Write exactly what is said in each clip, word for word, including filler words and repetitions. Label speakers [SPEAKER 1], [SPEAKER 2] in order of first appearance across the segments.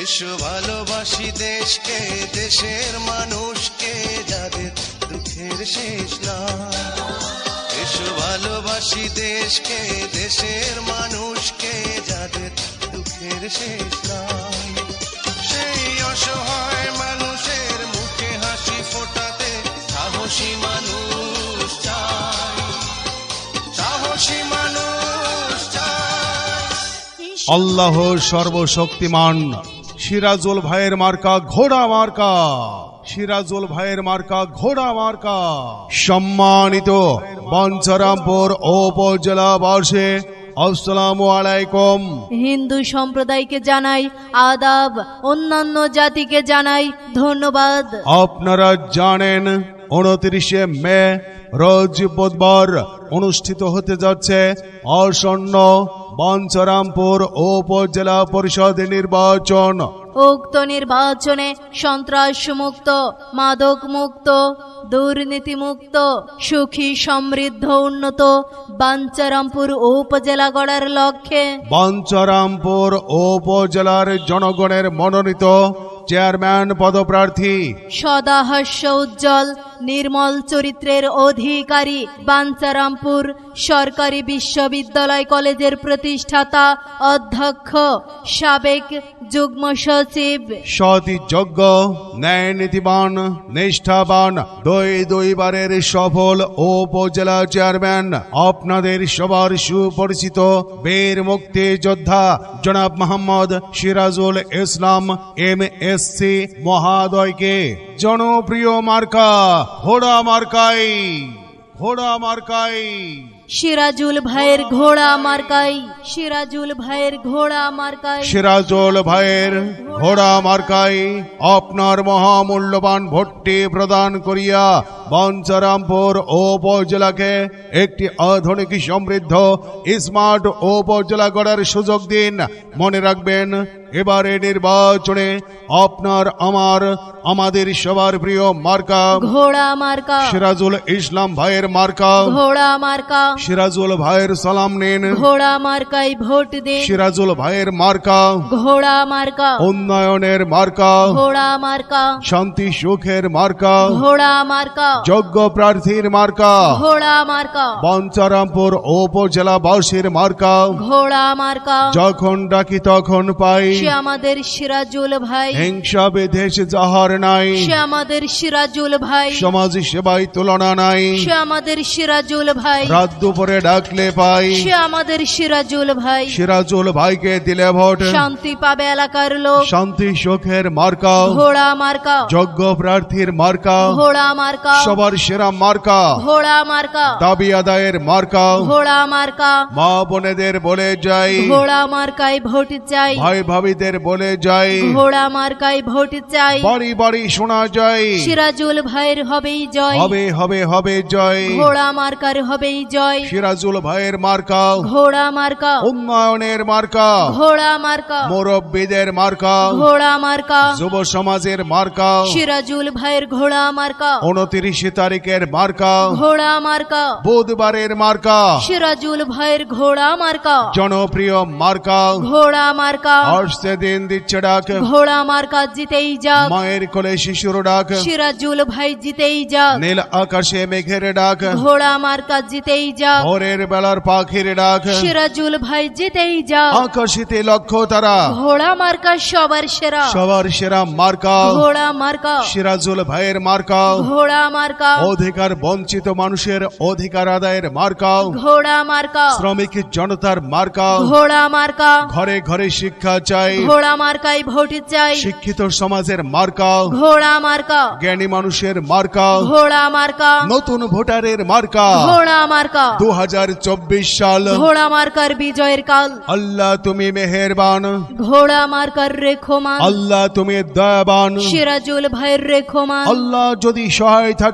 [SPEAKER 1] এসো ভালোবাসি দেশকে, দেশের মানুষকে, যাদের দুঃখের শেষ নাই। এসো ভালোবাসি দেশকে, দেশের মানুষকে, যাদের দুঃখের শেষ নাই। সেই অসহায় মানুষের মুখে হাসি ফোটাতে সাহসী মানুষ চাই, সাহসী মানুষ চাই।
[SPEAKER 2] আল্লাহ সর্বশক্তিমান। সিরাজুল ভাইয়ের মার্কা ঘোড়া মার্কা, সিরাজুল ভাইয়ের মার্কা ঘোড়া মার্কা। সম্মানিত বাঞ্ছারামপুর উপজেলাবাসী, আসসালামু আলাইকুম।
[SPEAKER 3] হিন্দু সম্প্রদায়কে জানাই আদাব, অন্যান্য জাতিকে জানাই ধন্যবাদ।
[SPEAKER 2] আপনারা জানেন উনত্রিশে মে রোজ বুধবার অনুষ্ঠিত হতে যাচ্ছে আসন্ন বাঞ্ছারামপুর উপজেলা পরিষদ নির্বাচন।
[SPEAKER 3] উক্ত নির্বাচনে সন্ত্রাস মুক্ত, মাদক মুক্ত, দুর্নীতি মুক্ত, সুখী সমৃদ্ধ উন্নত বাঞ্ছারামপুর উপজেলা গড়ার লক্ষ্যে
[SPEAKER 2] বাঞ্ছারামপুর উপজেলার জনগণের মনোনীত চেয়ারম্যান পদপ্রার্থী,
[SPEAKER 3] সদা হাস্য উজ্জ্বল নির্মল চরিত্রের অধিকারী, বাঞ্ছারামপুর সরকারি বিশ্ববিদ্যালয় কলেজের প্রতিষ্ঠাতা অধ্যক্ষ, সাবেক যুগ্ম সচিব,
[SPEAKER 2] সতীযোগ্য, ন্যায় নীতিবান, নিষ্ঠাবান, দুই দুইবারের সফল উপজেলা চেয়ারম্যান, আপনাদের সবার সুপরিচিত বীর মুক্তিযোদ্ধা জনাব Mohammad Sirajul Islam M S C মহাদয়কে জনপ্রিয় মার্কা ঘোড়া মার্কাই, ঘোড়া মার্কাই।
[SPEAKER 3] সিরাজুল ভাইয়ের ঘোড়া মার্কাই, সিরাজুল ভাইয়ের ঘোড়া মার্কাই,
[SPEAKER 2] সিরাজুল ভাইয়ের ঘোড়া মার্কাই আপনার মহামূল্যবান ভোটটি প্রদান করিয়া বাঞ্ছারামপুর উপজেলাকে একটি আধুনিক সমৃদ্ধ স্মার্ট উপজেলা গড়ার সুযোগ দিন। মনে রাখবেন, এবারে নির্বাচনে আপনার আমার আমাদের সবার প্রিয় মার্কা
[SPEAKER 3] ঘোড়া মার্কা,
[SPEAKER 2] সিরাজুল ইসলাম ভাইয়ের মার্কা
[SPEAKER 3] ঘোড়া মার্কা।
[SPEAKER 2] সিরাজুল ভাইয়ের সালাম নিন,
[SPEAKER 3] ঘোড়া মার্কাই ভোট দিন।
[SPEAKER 2] সিরাজুল ভাইয়ের মার্কা
[SPEAKER 3] ঘোড়া মার্কা,
[SPEAKER 2] উন্নয়নের মার্কা,
[SPEAKER 3] ঘোড়া মার্কা,
[SPEAKER 2] শান্তি সুখের মার্কা,
[SPEAKER 3] ঘোড়া মার্কা,
[SPEAKER 2] যোগ্য প্রার্থীর মার্কা,
[SPEAKER 3] ঘোড়া মার্কা,
[SPEAKER 2] বাঞ্ছারামপুর উপজেলাবাসীর মার্কা।
[SPEAKER 3] ঘোড়া মার্কা।
[SPEAKER 2] যখন ডাকি তখন পাই,
[SPEAKER 3] সে আমাদের সিরাজুল ভাই,
[SPEAKER 2] হিংসা বিদ্বেষ যাহার নাই,
[SPEAKER 3] সে আমাদের সিরাজুল ভাই,
[SPEAKER 2] সমাজ সেবায় তুলনা নাই,
[SPEAKER 3] সে আমাদের সিরাজুল ভাই,
[SPEAKER 2] রাত দুপুরে ডাকলে পাই,
[SPEAKER 3] সে আমাদের সিরাজুল ভাই।
[SPEAKER 2] সিরাজুল ভাইকে দিলে ভোট,
[SPEAKER 3] শান্তি পাবে এলাকার লোক,
[SPEAKER 2] শান্তি সুখের মার্কা,
[SPEAKER 3] ঘোড়া মার্কা,
[SPEAKER 2] যোগ্য প্রার্থীর মার্কা,
[SPEAKER 3] ঘোড়া মার্কা,
[SPEAKER 2] সবার সেরা মার্কা,
[SPEAKER 3] ঘোড়া মার্কা,
[SPEAKER 2] দাবি আদায়ের মার্কা।
[SPEAKER 3] ঘোড়া মার্কা।
[SPEAKER 2] মা বোনেদের বলে যাই,
[SPEAKER 3] ঘোড়া মার্কায় ভোট চাই,
[SPEAKER 2] ভাই ভাবিদের বলে যাই,
[SPEAKER 3] ঘোড়া মার্কায় ভোট চাই।
[SPEAKER 2] বাড়ি বাড়ি শোনা যায়,
[SPEAKER 3] সিরাজুল ভাইয়ের হবেই জয়,
[SPEAKER 2] হবে হবে হবে জয়,
[SPEAKER 3] ঘোড়া মার্কার হবেই জয়।
[SPEAKER 2] সিরাজুল ভাইয়ের মার্কা
[SPEAKER 3] ঘোড়া মার্কা,
[SPEAKER 2] উন্নয়নের মার্কা,
[SPEAKER 3] ঘোড়া মার্কা,
[SPEAKER 2] মুরব্বীদের মার্কা,
[SPEAKER 3] ঘোড়া মার্কা,
[SPEAKER 2] যুব সমাজের মার্কা,
[SPEAKER 3] সিরাজুল ভাইয়ের ঘোড়া মার্কা,
[SPEAKER 2] উনত্রিশে তারিখের মার্কা,
[SPEAKER 3] ঘোড়া মার্কা,
[SPEAKER 2] বুধবারের মার্কা,
[SPEAKER 3] সিরাজুল ভাইয়ের ঘোড়া মার্কা,
[SPEAKER 2] জনপ্রিয় মার্কা।
[SPEAKER 3] ঘোড়া মার্কা।
[SPEAKER 2] আসছে দিন দিচ্ছে ডাক,
[SPEAKER 3] ঘোড়া মার্কা জিতেই যাক,
[SPEAKER 2] মায়ের কোলে শিশুর ডাক,
[SPEAKER 3] সিরাজুল ভাই জিতেই যাক,
[SPEAKER 2] নীল আকাশে মেঘের ডাক,
[SPEAKER 3] ঘোড়া মার্কা জিতেই যাক,
[SPEAKER 2] ভোরের বেলার পাখির ডাক,
[SPEAKER 3] সিরাজুল ভাই জিতেই যাক,
[SPEAKER 2] আকাশিতে লক্ষ্য তারা,
[SPEAKER 3] ঘোড়া মার্কা সবার সেরা,
[SPEAKER 2] সবার সেরা মার্কা
[SPEAKER 3] ঘোড়া মার্কা,
[SPEAKER 2] সিরাজুল ভাইয়ের মার্কা,
[SPEAKER 3] ঘোড়া মার্কা,
[SPEAKER 2] অধিকার বঞ্চিত মানুষের অধিকার আদায়ের মার্কা,
[SPEAKER 3] ঘোড়া মার্কা,
[SPEAKER 2] শ্রমিক জনতার মার্কা,
[SPEAKER 3] ঘোড়া মার্কা,
[SPEAKER 2] ঘরে ঘরে শিক্ষা চাই,
[SPEAKER 3] ঘোড়া মার্কাই ভোট চাই,
[SPEAKER 2] শিক্ষিত সমাজের মার্কা,
[SPEAKER 3] ঘোড়া মার্কা,
[SPEAKER 2] জ্ঞানী মানুষের মার্কা,
[SPEAKER 3] ঘোড়া মার্কা,
[SPEAKER 2] নতুন ভোটারের মার্কা।
[SPEAKER 3] ঘোড়া মার্কা।
[SPEAKER 2] দু হাজার চব্বিশ সাল,
[SPEAKER 3] ঘোড়া মার্কার বিজয়ের কাল,
[SPEAKER 2] আল্লাহ তুমি মেহেরবান,
[SPEAKER 3] ঘোড়া মার্কার রেখমান,
[SPEAKER 2] আল্লাহ তুমি দয়াবান,
[SPEAKER 3] সিরাজুল ভাইয়ের রেখমান,
[SPEAKER 2] আল্লাহ যদি সহায় থাকে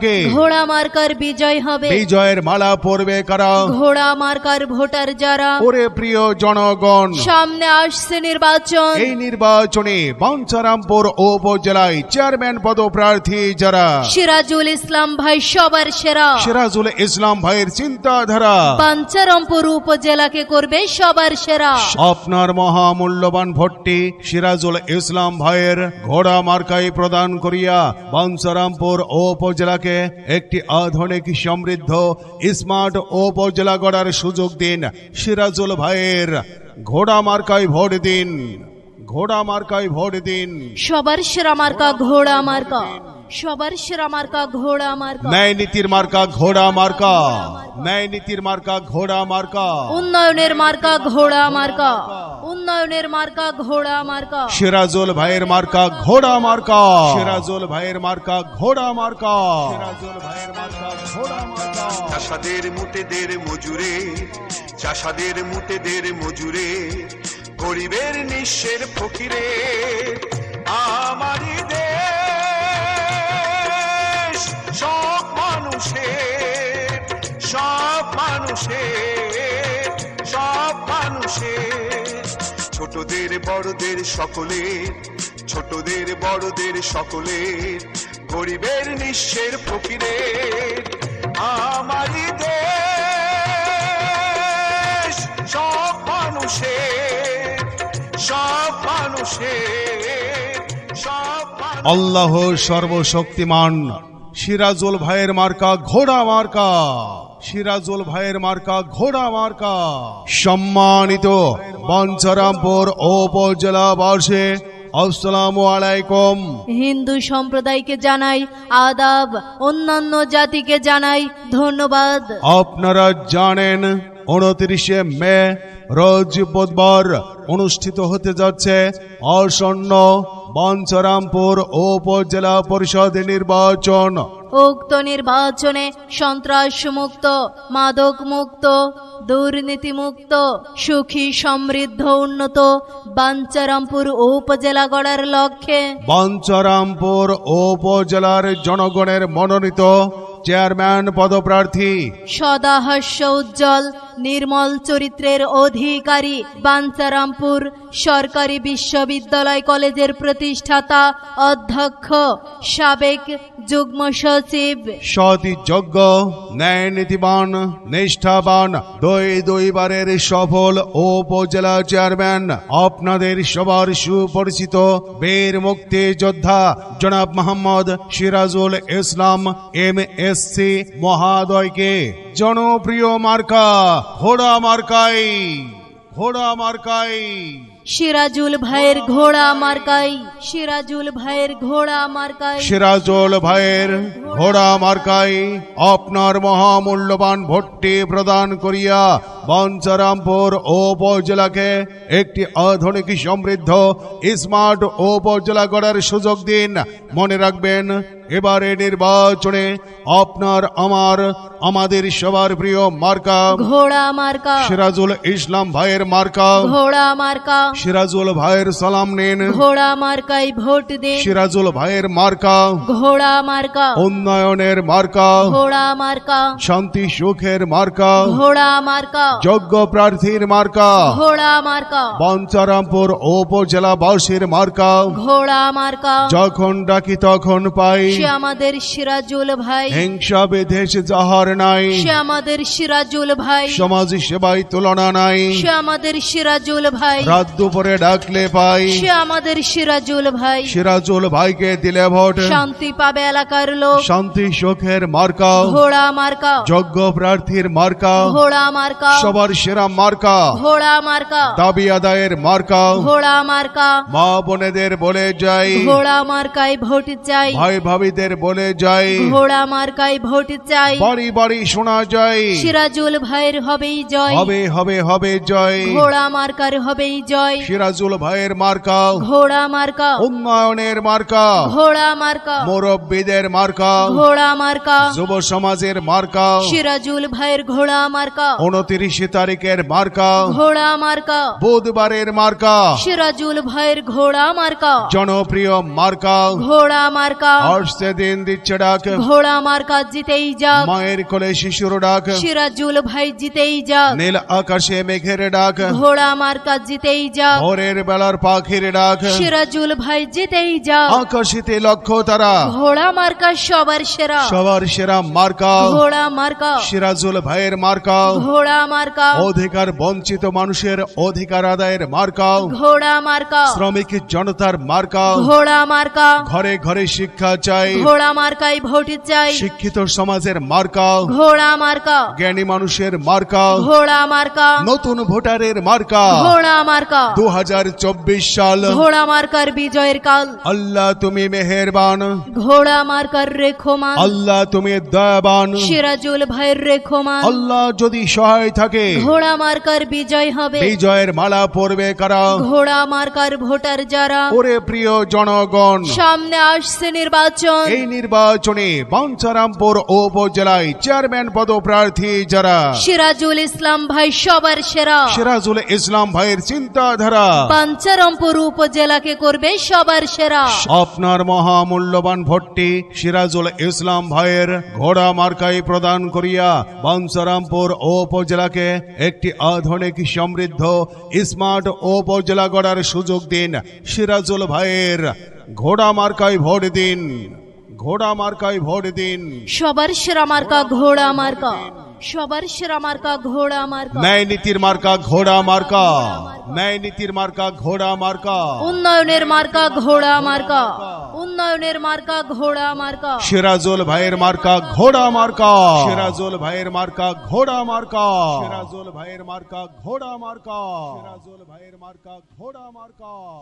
[SPEAKER 2] থাকে
[SPEAKER 3] ঘোড়া মার্কার বিজয় হবে।
[SPEAKER 2] বিজয়ের মালা পরবে কারা?
[SPEAKER 3] ঘোড়া মার্কার ভোটার যারা।
[SPEAKER 2] ওরে প্রিয় জনগণ,
[SPEAKER 3] সামনে আসছে নির্বাচন।
[SPEAKER 2] এই নির্বাচনে বাঞ্ছারামপুর উপজেলায় চেয়ারম্যান পদপ্রার্থী যারা,
[SPEAKER 3] সিরাজুল ইসলাম ভাই সবার সেরা।
[SPEAKER 2] সিরাজুল ইসলাম ভাইয়ের চিন্তাধারা
[SPEAKER 3] বাঞ্ছারামপুর উপজেলাকে করবে সবার সেরা।
[SPEAKER 2] আপনার মহামূল্যবান ভোটটি সিরাজুল ইসলাম ভাইয়ের ঘোড়া মার্কায় প্রদান করিয়া বাঞ্ছারামপুর উপজেলাকে একটি আধুনিক সমৃদ্ধ স্মার্ট উপজেলা গড়ার সুযোগ দিন। সিরাজুল ভাইয়ের ঘোড়া মার্কায় ভোট দিন, ঘোড়া মার্কায় ভোট দিন।
[SPEAKER 3] সবার সেরা মার্কা ঘোড়া মার্কা, সবার সেরা মার্কা ঘোড়া মার্কা।
[SPEAKER 2] ন্যায় নীতির মার্কা ঘোড়া মার্কা, ন্যায় নীতির মার্কা ঘোড়া মার্কা।
[SPEAKER 3] উন্নয়নের মার্কা ঘোড়া মার্কা, উন্নয়নের মার্কা ঘোড়া মার্কা।
[SPEAKER 2] সিরাজুল ভাইয়ের মার্কা ঘোড়া মার্কা, সিরাজুল ভাইয়ের মার্কা ঘোড়া মার্কা, সিরাজুল ভাইয়ের মার্কা ঘোড়া মার্কা।
[SPEAKER 4] চাষাদের মুটেদের মজুরে, চাষাদের মুটেদের মজুরে, গরিবের নিঃস্বের ফকিরে, আমারই দেশ সব মানুষের, সব মানুষের, সব মানুষের, ছোটদের বড়দের সকলের, ছোটদের বড়দের সকলের, গরিবের নিঃস্বের ফকিরের, আমারই দেশ সব মানুষের, সব মানুষের, সব মানুষের।
[SPEAKER 2] আল্লাহ সর্বশক্তিমান। সিরাজুল ভাইয়ের মার্কা ঘোড়া মার্কা, সিরাজুল ভাইয়ের মার্কা ঘোড়া মার্কা। সম্মানিত বাঞ্ছারামপুর উপজেলাবাসী, আসসালামু আলাইকুম।
[SPEAKER 3] হিন্দু সম্প্রদায়কে জানাই আদাব, অন্যান্য জাতিকে জানাই ধন্যবাদ।
[SPEAKER 2] আপনারা জানেন উনত্রিশে মে রোজ বুধবার অনুষ্ঠিত হতে যাচ্ছে আসন্ন বাঞ্ছারামপুর উপজেলা পরিষদ নির্বাচন।
[SPEAKER 3] উক্ত নির্বাচনে সন্ত্রাস মুক্ত, মাদক মুক্ত, দুর্নীতি মুক্ত, সুখী সমৃদ্ধ উন্নত বাঞ্ছারামপুর উপজেলা গড়ার লক্ষ্যে
[SPEAKER 2] বাঞ্ছারামপুর উপজেলার জনগণের মনোনীত চেয়ারম্যান পদপ্রার্থী,
[SPEAKER 3] সদা হাস্য উজ্জ্বল নির্মল চরিত্রের অধিকারী, বাঞ্ছারামপুর সরকারি বিশ্ববিদ্যালয় কলেজের প্রতিষ্ঠাতা অধ্যক্ষ, সাবেক যুগ্ম সচিব,
[SPEAKER 2] সতীযোগ্য, ন্যায় নীতিবান, নিষ্ঠাবান, দুই দুইবারের সফল উপজেলা চেয়ারম্যান, আপনাদের সবার সুপরিচিত বীর মুক্তিযোদ্ধা জনাব Mohammad Sirajul Islam M S C মহাদয়কে জনপ্রিয় মার্কা ঘোড়া মার্কাই, ঘোড়া মার্কাই।
[SPEAKER 3] সিরাজুল ভাইয়ের ঘোড়া মার্কাই, সিরাজুল ভাইয়ের ঘোড়া মার্কাই,
[SPEAKER 2] সিরাজুল ভাইয়ের ঘোড়া মার্কাই আপনার মহামূল্যবান ভোটটি প্রদান করিয়া বাঞ্ছারামপুর উপজেলাকে একটি আধুনিক সমৃদ্ধ স্মার্ট উপজেলা গড়ার সুযোগ দিন। মনে রাখবেন, এবারে নির্বাচনে আপনার আমার আমাদের সবার প্রিয় মার্কা
[SPEAKER 3] ঘোড়া মার্কা,
[SPEAKER 2] সিরাজুল ইসলাম ভাইয়ের মার্কা,
[SPEAKER 3] ঘোড়া মার্কা।
[SPEAKER 2] সিরাজুল ভাইয়ের সালাম নিন,
[SPEAKER 3] ঘোড়া মার্কাই ভোট দিন।
[SPEAKER 2] সিরাজুল ভাইয়ের মার্কা
[SPEAKER 3] ঘোড়া মার্কা,
[SPEAKER 2] উন্নয়নের মার্কা,
[SPEAKER 3] ঘোড়া মার্কা,
[SPEAKER 2] শান্তি সুখের মার্কা,
[SPEAKER 3] ঘোড়া মার্কা,
[SPEAKER 2] যোগ্য প্রার্থীর মার্কা,
[SPEAKER 3] ঘোড়া মার্কা,
[SPEAKER 2] বাঞ্ছারামপুর উপজেলাবাসীর মার্কা।
[SPEAKER 3] ঘোড়া মার্কা।
[SPEAKER 2] যখন ডাকি তখন পাই,
[SPEAKER 3] সে আমাদের সিরাজুল ভাই,
[SPEAKER 2] হিংসা বিদ্বেষ যাহার নাই,
[SPEAKER 3] সে আমাদের সিরাজুল ভাই,
[SPEAKER 2] সমাজ সেবায় তুলনা নাই,
[SPEAKER 3] সে আমাদের সিরাজুল ভাই,
[SPEAKER 2] রাত দুপুরে ডাকলে পাই,
[SPEAKER 3] সে আমাদের সিরাজুল ভাই।
[SPEAKER 2] সিরাজুল ভাইকে দিলে ভোট,
[SPEAKER 3] শান্তি পাবে এলাকার লোক।
[SPEAKER 2] শান্তি সুখের মার্কা,
[SPEAKER 3] ঘোড়া মার্কা,
[SPEAKER 2] যোগ্য প্রার্থীর মার্কা,
[SPEAKER 3] ঘোড়া মার্কা,
[SPEAKER 2] সবার সেরা মার্কা,
[SPEAKER 3] ঘোড়া মার্কা,
[SPEAKER 2] দাবি আদায়ের মার্কা।
[SPEAKER 3] ঘোড়া মার্কা।
[SPEAKER 2] মা বোনেদের বলে যাই,
[SPEAKER 3] ঘোড়া মার্কায় ভোট চাই,
[SPEAKER 2] ভাই ভাবিদের বলে যাই,
[SPEAKER 3] ঘোড়া মার্কায় ভোট চাই।
[SPEAKER 2] বাড়ি বাড়ি শোনা যায়,
[SPEAKER 3] সিরাজুল ভাইয়ের হবেই জয়,
[SPEAKER 2] হবে হবে হবে জয়।
[SPEAKER 3] ঘোড়া মার্কার হবেই জয়। ভাই
[SPEAKER 2] সিরাজুল ভাইয়ের মার্কা
[SPEAKER 3] ঘোড়া মার্কা
[SPEAKER 2] উন্নয়নের মার্কা
[SPEAKER 3] ঘোড়া মার্কা
[SPEAKER 2] মুরব্বীদের মার্কা
[SPEAKER 3] ঘোড়া মার্কা
[SPEAKER 2] যুব সমাজের মার্কা
[SPEAKER 3] সিরাজুল ভাইয়ের ঘোড়া মার্কা
[SPEAKER 2] উনত্রিশ তারিখের মার্কা
[SPEAKER 3] ঘোড়া মার্কা
[SPEAKER 2] বুধবারের মার্কা
[SPEAKER 3] সিরাজুল ভাইয়ের ঘোড়া মার্কা
[SPEAKER 2] জনপ্রিয় মার্কা
[SPEAKER 3] ঘোড়া মার্কা
[SPEAKER 2] আসছে দিন দিচ্ছে ডাক
[SPEAKER 3] ঘোড়া মার্কা জিতেই যাক
[SPEAKER 2] মায়ের কোলে শিশুর ডাক
[SPEAKER 3] সিরাজুল ভাই জিতেই যাক
[SPEAKER 2] নীল আকাশে মেঘের ডাক
[SPEAKER 3] ঘোড়া মার্কা জিতেই যাক
[SPEAKER 2] ভোরের বেলার পাখির ডাক
[SPEAKER 3] সিরাজুল ভাই জিতেই যাক
[SPEAKER 2] আকাশিতে লক্ষ্য তারা
[SPEAKER 3] ঘোড়া মার্কা সবার সেরা
[SPEAKER 2] সবার সেরা মার্কা
[SPEAKER 3] ঘোড়া মার্কা
[SPEAKER 2] সিরাজুল ভাইয়ের মার্কা
[SPEAKER 3] ঘোড়া মার্কা
[SPEAKER 2] অধিকার বঞ্চিত মানুষের অধিকার আদায়ের মার্কা
[SPEAKER 3] ঘোড়া মার্কা
[SPEAKER 2] শ্রমিক জনতার মার্কা
[SPEAKER 3] ঘোড়া মার্কা
[SPEAKER 2] ঘরে ঘরে শিক্ষা চাই
[SPEAKER 3] ঘোড়া মার্কাই ভোট চাই
[SPEAKER 2] শিক্ষিত সমাজের মার্কা
[SPEAKER 3] ঘোড়া মার্কা
[SPEAKER 2] জ্ঞানী মানুষের মার্কা
[SPEAKER 3] ঘোড়া মার্কা
[SPEAKER 2] নতুন ভোটারের মার্কা
[SPEAKER 3] ঘোড়া মার্কা
[SPEAKER 2] দু হাজার চব্বিশ সাল
[SPEAKER 3] ঘোড়া মার্কার বিজয়ের কাল
[SPEAKER 2] আল্লাহ তুমি মেহেরবান
[SPEAKER 3] ঘোড়া মার্কার রেখমান
[SPEAKER 2] আল্লাহ তুমি দয়াবান
[SPEAKER 3] সিরাজুল ভাইয়ের রেখমান
[SPEAKER 2] আল্লাহ যদি সহায় থাকে
[SPEAKER 3] ঘোড়া মার্কার বিজয় হবে
[SPEAKER 2] বিজয়ের মালা পরবে কারা
[SPEAKER 3] ঘোড়া মার্কার ভোটার যারা
[SPEAKER 2] ওরে প্রিয় জনগণ
[SPEAKER 3] সামনে আসছে নির্বাচন
[SPEAKER 2] এই নির্বাচনে বাঞ্ছারামপুর উপজেলায় চেয়ারম্যান পদপ্রার্থী যারা
[SPEAKER 3] সিরাজুল ইসলাম ভাই সবার সেরা
[SPEAKER 2] সিরাজুল ইসলাম ভাইয়ের চিন্তাধারা
[SPEAKER 3] পাঞ্চারামপুর উপজেলাকে করবে সবার সেরা
[SPEAKER 2] আপনার মহামূল্যবান ভোটটি সিরাজুল ইসলাম ভাইয়ের ঘোড়া মার্কাই প্রদান করিয়া বাঞ্ছারামপুর উপজেলাকে একটি আধুনিক সমৃদ্ধ স্মার্ট উপজেলা গড়ার সুযোগ দিন সিরাজুল ভাইয়ের ঘোড়া মার্কায় ভোট দিন ঘোড়া মার্কায় ভোট দিন
[SPEAKER 3] সবার সেরা মার্কা ঘোড়া মার্কা সবার সেরা মার্কা ঘোড়া মার্কা
[SPEAKER 2] ন্যায় নীতির মার্কা ঘোড়া মার্কা ন্যায় নীতির মার্কা ঘোড়া মার্কা
[SPEAKER 3] উন্নয়নের মার্কা ঘোড়া মার্কা উন্নয়নের মার্কা ঘোড়া মার্কা
[SPEAKER 2] সিরাজুল ভাইয়ের মার্কা ঘোড়া মার্কা সিরাজুল ভাইয়ের মার্কা ঘোড়া মার্কা সিরাজুল ভাইয়ের মার্কা ঘোড়া মার্কা সিরাজুল ভাইয়ের মার্কা ঘোড়া মার্কা